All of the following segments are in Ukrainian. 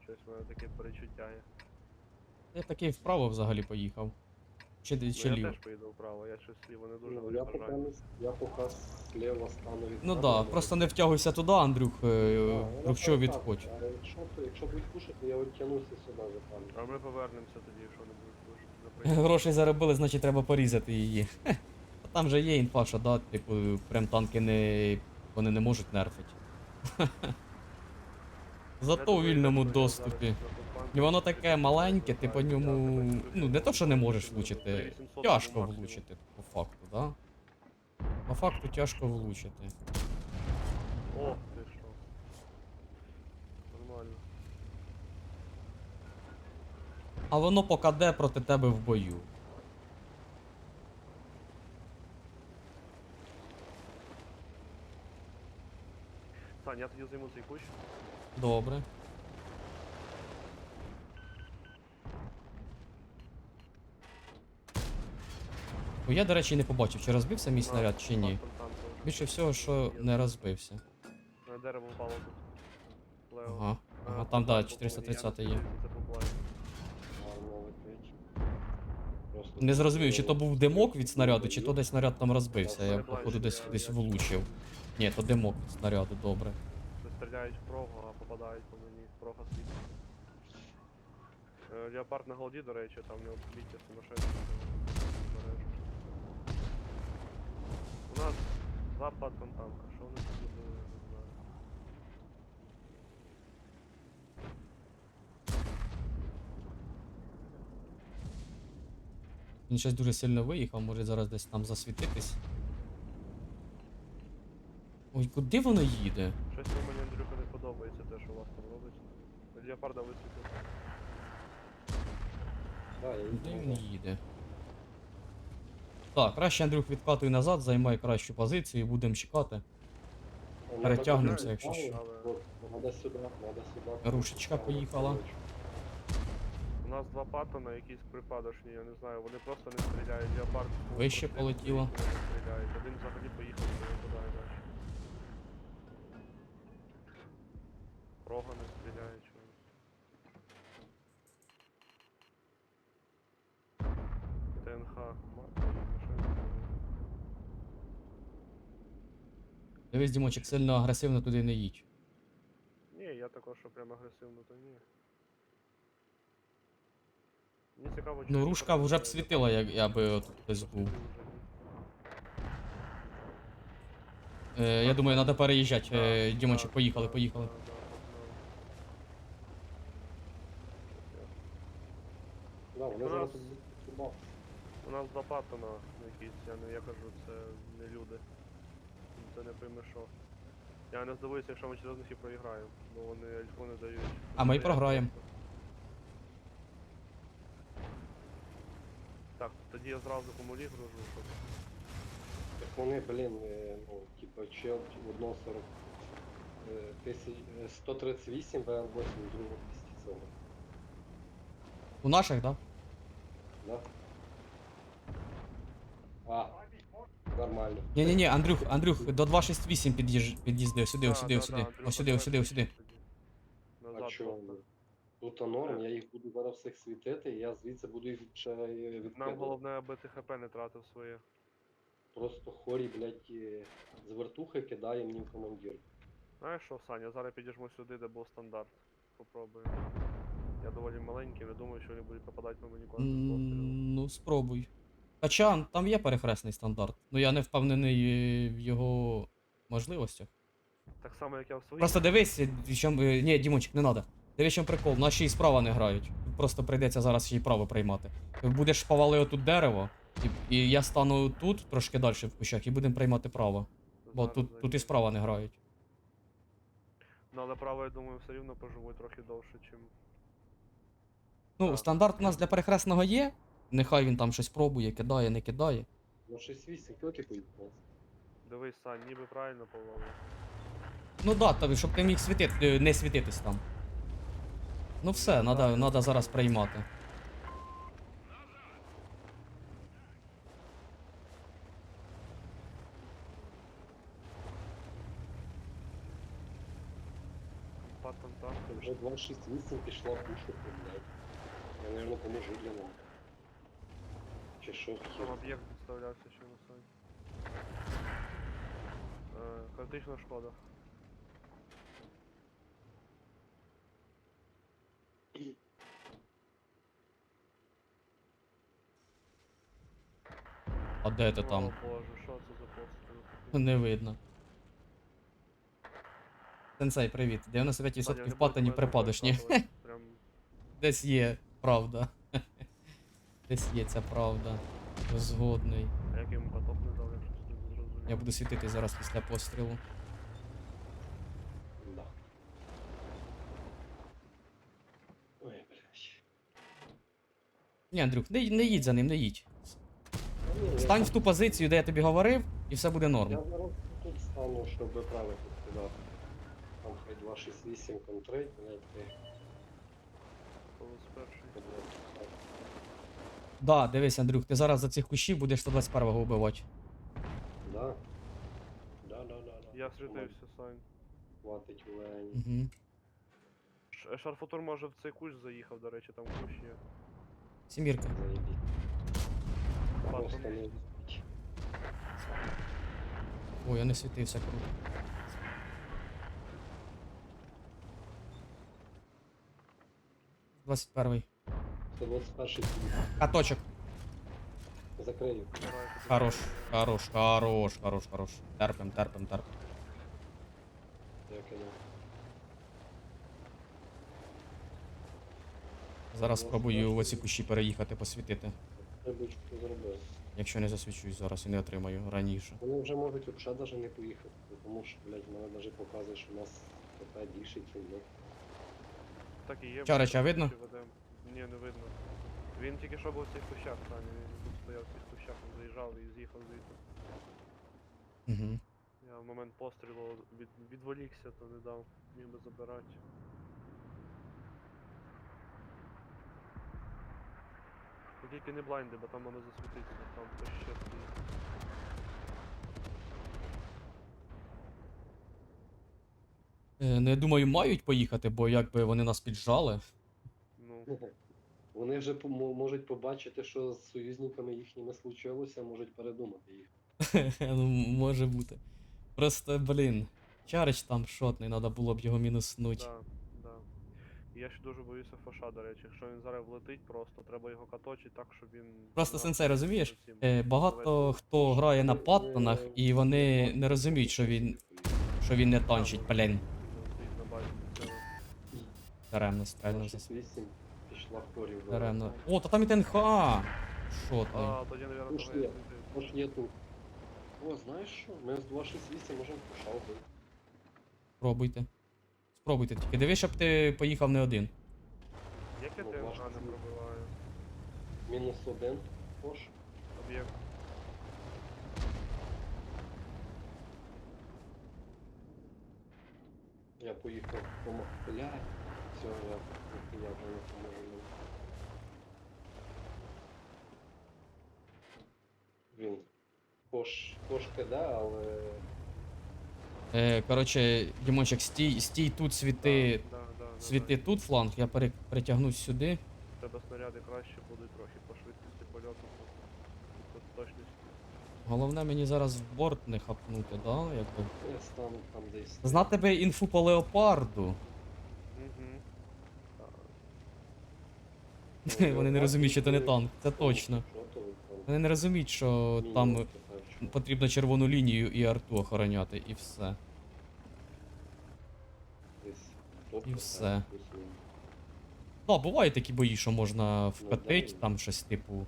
щось, у мене таке перечуття є. Я такий вправо взагалі поїхав. Чи Ну, я ліво? теж поїду вправо, я щось ліво не дуже Ну, я виражаю. поки слева стану від Ну тебе, да, але- просто не втягуйся туди, Андрюх, я вдруг що так, відходь. а якщо будуть пушити, то я відтягнуся сюди за А пані. ми повернемося тоді, якщо не будуть слушати. Грошей заробили, значить треба порізати її. А там же є інфа, що да, типу, прям танки не. Вони не можуть нерфити. Зато у вільному доступі. І воно таке маленьке, ти по ньому. Ну, не то, що не можеш влучити. Тяжко влучити, по факту, да? По факту тяжко влучити. О, ти що. Нормально. А воно покаде проти тебе в бою. Сань, я тоді займу цей кущ. Добре. О, я, до речі, не побачив, чи розбився мій снаряд, чи ні. Більше всього, що не розбився. Дерево впало тут. Лево. Ага. Ага, там, да, 430 є. Це буквально. Гарно летить. Просто Не зрозумів, чи то був димок від снаряду, чи то десь снаряд там розбився. Я, походу, десь влучив. Ні, то димок від снаряду, добре. Це стріляють в прогу, а попадають по мені. Прога світить. Леопард на голді, до речі, там в нього бійте сумасшедші. У нас запад танка. Що вони тут зробили, я не знаю. Він щось дуже сильно виїхав, може зараз десь там засвітитись. Ой, куди воно їде? Щось мені, Андрюха, не подобається те, що у вас там робиться. Леопарда висвітив. Да, я Куди він їду. їде? Так, краще Андрюх відкатуй назад, займай кращу позицію і будемо чекати. Перетягнемося, якщо що. Надо сюди, надо сюди. Рушечка поїхала. У нас два паттона, якісь припадочні, я не знаю, вони просто не стріляють. Леопард Вище полетіло. не стріляють. Один взагалі поїхав, не випадає далі. Прога не стріляє, чого. ТНХ, машина. Дивись, Дімочек, сильно агресивно туди не їдь. Ні, я також, що прям агресивно, то ні. Мені цікаво, Ну, рушка вже б світила, якби от хтось був. Я думаю, треба переїжджати. Дімочек, поїхали, поїхали. Да, вони У зараз нас- тут будуть сюди. У нас два паттона якісь, я кажу, це не люди. Це не пойми що. Я не здивуюся, якщо ми через них і проіграємо, бо вони альфу не дають. А ми і програємо. Так, тоді я зразу комулі гружу, щоб... Так вони, блін, ну, типа, чел одного 40... 138 ВР-8 другого 200 цього. У наших, так? Да? Да? А, нормально. Ні-ні-ні, Андрюх, до 268 під'їзди, ось сюди, ось сюди, ось сюди. Ось сюди, ось сюди, ось сюди. А Назад чого? просто. Тут норм, я їх буду зараз всіх світити, і я звідси буду їх ще Нам відкидувати. головне, аби ти ХП не тратив своє. Просто хорі, блядь, з вертухи кидає мені в командир. Знаєш що, Саня, зараз підіжмо сюди, де був стандарт. Попробуємо. Я доволі маленький, не думаю, що вони будуть попадати по мені кожним пострілом. Ну, спробуй. Хоча там є перехресний стандарт. Ну я не впевнений в його можливостях. Так само, як я в своїй. Просто дивись, ні, Дімончик, не треба. Дивись, чим прикол, наші і справа не грають. Просто прийдеться зараз ще й право приймати. Ти будеш повалив тут дерево, і я стану тут, трошки далі в кущах, і будемо приймати право. Бо Зараз тут і зайду. справа не грають. Ну, але право, я думаю, все рівно поживуть трохи довше, чим. Ну, Так. стандарт у нас для перехресного є. Нехай він там щось пробує, кидає, не кидає. Ну 6-8 кілки поїхали. Дивись, Сань, ніби правильно повалив. Ну да, тобі, щоб ти міг не світитись там. Ну все, надо зараз приймати. Паттон танк. Вже С268 пішла пушити, блядь. Я, наверное, поможу для нам. Чи що Там хер? об'єкт підставлявся ще на сайт. Критична шкода. А де ти О там? боже, що це за постріл? Не видно. Сенсей, привіт. 95% патані припадеш, ні? Прям Десь є правда. Десь є ця правда. Згодний. а як йому поток не дав, я щось не зрозумів. Я буду світити зараз після пострілу. Да. Ой, блядь. Ні, Андрюх, не їдь за ним, не їдь. Та ні, я Стань в там- ту позицію, де я тобі говорив, і все буде Я норм. зараз тут стану, щоб правити туди. Там хай 268 контроль, блядь, ти. Полос перший. блядь, Да, дивись, Андрюх, ти зараз за цих кущів будеш 121-го вбивати. Да. Да. Я світився, Сань. Хватить лень. Угу. Шарфутур може в цей кущ заїхав, до речі, там кущ є. Сімірка. Заебись. Просто Патон. не вистачить. Ой, я не світився круто. Двадцять перший. 121 Каточок. закрию. Хорош, хорош, хорош, хорош, хорош. Терпим. Я кинув. Зараз спробую в оці кущі переїхати, посвітити. Рибочку зробив. Якщо не засвічусь зараз і не отримаю раніше. Вони вже можуть взагалі навіть не поїхати, тому що, блядь, мене навіть показує, що у нас ТП більше, ніж ми. Так і є. Чарича ми видно? кущі ведем. Ні, не видно. Він тільки що був в цих кущах, Саня. Він тут стояв в цих кущах, він заїжджав і з'їхав звідти. Угу. Я в момент пострілу відволікся, то не дав. Міг би забирати. Ну, тільки не блайнди, бо там воно засвітиться, там хтось ще стоїть. Не думаю, мають поїхати, бо якби вони нас піджали. Ну, Вони вже можуть побачити, що з союзниками їхніми случилося, можуть передумати їх. Ну, може бути. Просто, блін. Чарич там шотний, треба було б його мінуснуть. да. І я ще дуже боюся фаша, до речі. Якщо він зараз влетить просто, треба його каточити так, щоб він... Просто нас сенсей, розумієш? цим Багато завести. хто грає на паттонах, і вони не розуміють, що він не танчить, блін. Він стоїть на базі цього. Даремно, стрельно засвітив. 68 пішла в корів. Даремно. О, та там і ТНХ! Шотний. А, тоді, наверное, Уж того я є. світив. Тож є тут. О, знаєш що? Ми з 268 можемо пошалити. Спробуйте тільки. Дивись, щоб ти поїхав не один. Як я Ну, ТНХ важко. не пробиваю? -1. Пош. Об'єкт. Я поїхав блядь. Все, я вже не поможу. Він. Пош кида, але. Коротше, Дімончик, стій тут, світи. Світи тут фланг, я перетягнусь сюди. У тебе снаряди краще будуть трохи по швидкості польоту, по точності. Головне мені зараз в борт не хапнути, да? Якби. Я стану там десь. Знати би інфу по леопарду. Угу. Вони не розуміють, що це не танк, це точно. Що то ви там? Вони не розуміють, що там Мінімум тепер, що? потрібно червону лінію і арту охороняти, і все. Десь І топка, все. так, плюс-мінус. Да, бувають такі бої, що можна да, вкатить, ну. там щось типу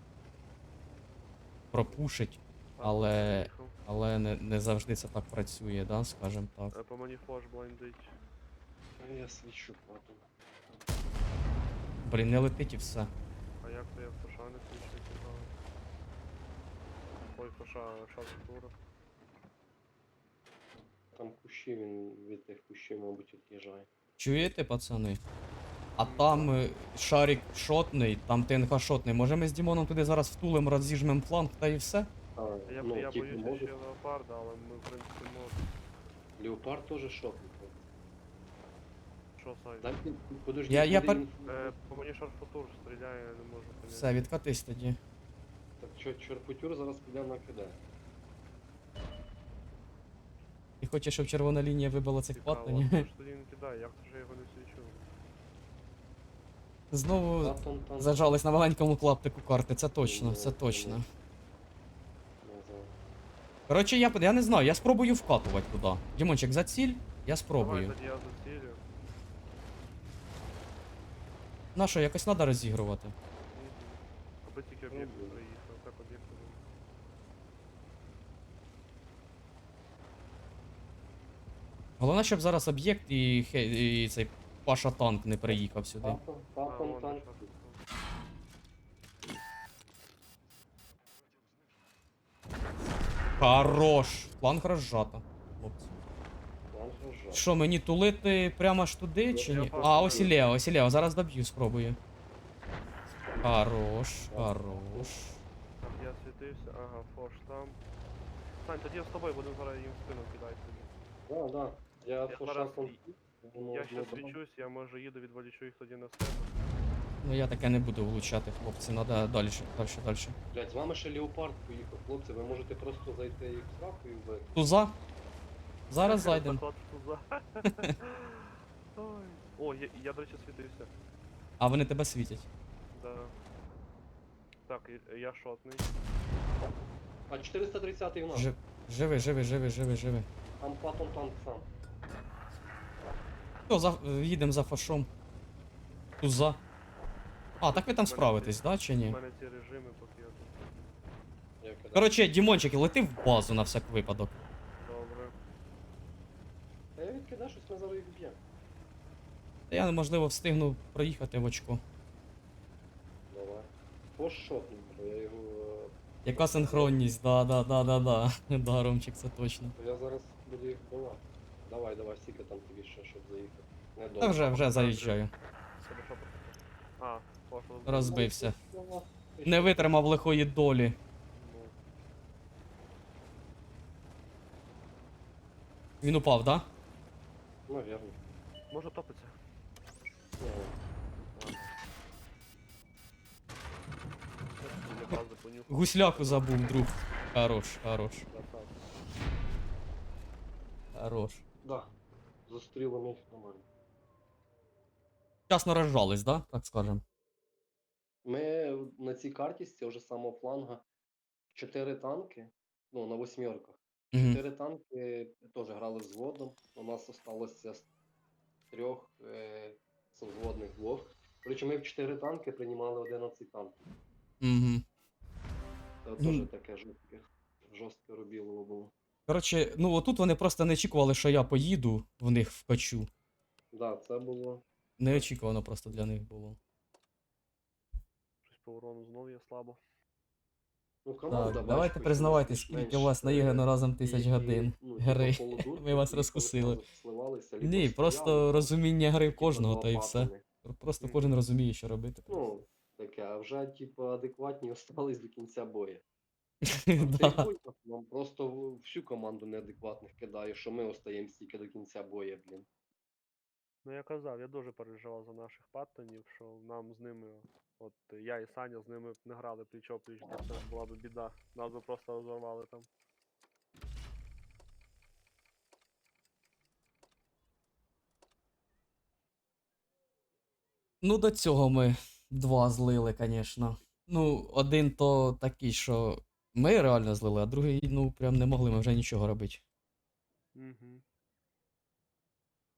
пропушить, А, але- поїхав. але не завжди це так працює, да, скажем так. По мені флеш блайндить. А я свічу потім. Блін, не летить і все. А як то я в фаша не свічу цікаво? Ой, фаша, шарфутура. Там кущі, він від тих кущів, мабуть, від'їжджає. Чуєте, пацани? А там шарик шотний, там ТНХ шотний. Може ми з Дімоном туди зараз втулим, розіжмем фланг та і все? Я ну, боюся можуть. ще леопарда, але ми в принципі можемо. Леопард теж шопнув. Що що, Сань? Дай подожди, Я куди пер- він- По мені шарфутур стріляє, я не можу поняти. Все, відкатись тоді. Так що, чорпутюр зараз піде на КД. Ти хочеш, щоб червона лінія вибила цих Цікаво, паттонів? хто ж тоді не кидає, як це ж я його не свічу? Знову Паттон там. зажались на маленькому клаптику карти, це точно, це Ну, точно. Не знаю. Коротше, я не знаю, я спробую вкатувати туди. Дімончик, за ціль, я Давай спробую. тоді я зацілю. На що, якось треба розігрувати. Аби тільки об'єкт Мгм. приїхав, так об'єкт. Головне, щоб зараз об'єкт і цей Паша танк не приїхав сюди. Паттон танк. Хорош! Фланг розжато, хлопці. План рожа. Що, мені тулити прямо аж туди чи Я ні? просто А, ось і Лео, ось і Лео, зараз доб'ю, спробую. Хорош, хорош. Так, я світився, ага, фош там. Сань, тоді я з тобою будемо зараз їм в спину кидати тоді. Да. Я Я фоша зараз- думав, Я ще ну, свічусь, я може їду, відволічу їх тоді на себе. Ну я таке не буду влучати, хлопці, треба далі, далі. Блять, з вами ще Леопард поїхав, хлопці, ви можете просто зайти їх в сраку і вбити. Туза? Зараз зайдемо. Заклад в туза. Ой. О, я, до речі, світився. А вони тебе світять. Да. Так, я шотний. А 430-й в нас. Живи. Там Паттон танк сам. Все, їдемо за фашом. Туза. А, так ви там справитесь, да, чи У ні? мене ці режими, поки я тут. Я кидаю. Коротше, Дімончик, лети в базу на всяк випадок. Добре. Та я відкидаю, щось ми зараз їх б'ємо. Та я, можливо, встигну проїхати в очко. Давай. Пошотнув, бо я його... Яка синхронність, да. Да, Ромчик, це точно. Я зараз буду їх вбивати. Давай, стільки там тобі ще, щоб заїхати. Не Та вже заїжджаю. Себе що А, пошло. Розбився. Не витримав лихої долі. Ну, Він упав, да? Навірно. може топиться. Я бази понюхав. Гусляку забув, друг. Хорош. Красавчик. Хорош. Да. Зустріли мені нормально. Вчасно розжались, да? Так скажем. Ми на цій карті з цього ж самого фланга 4 танки, ну на восьмерках. Угу. 4 танки теж грали взводом. У нас осталося з 3 взводних 2. Короче, ми в 4 танки приймали 11 танків. Угу. Це Ну. теж таке жорстке робілово було. Коротше, ну отут вони просто не очікували, що я поїду в них вкачу. Да, це було. Неочікувано просто для них було. Щось по урону знов є слабо. Ну, команда, Так, бач, давайте хоч признавайтесь, більш-менш, скільки у вас наіграно разом тисяч і- годин ну, гри. типу, Call of Duty, Ми вас і розкусили. одразу сливалися, либо Ні, стояли, просто розуміння гри в типу, кожного, два та і все. паттерни. Просто Мгм. кожен розуміє, що робити. Ну, таке, а вже, типу, адекватні остались до кінця бою. Да. Нам просто всю команду неадекватних кидає, що ми остаємо стільки до кінця бою, блін. Ну я казав, я дуже переживав за наших паттонів, що нам з ними, от я і Саня з ними б не грали пліч-опліч, бо це була б біда. Нас би просто розорвали там. Ну, до цього ми два злили, звісно. Ну, один то такий, що ми реально злили, а другий, ну, прям не могли ми вже нічого робити. Угу.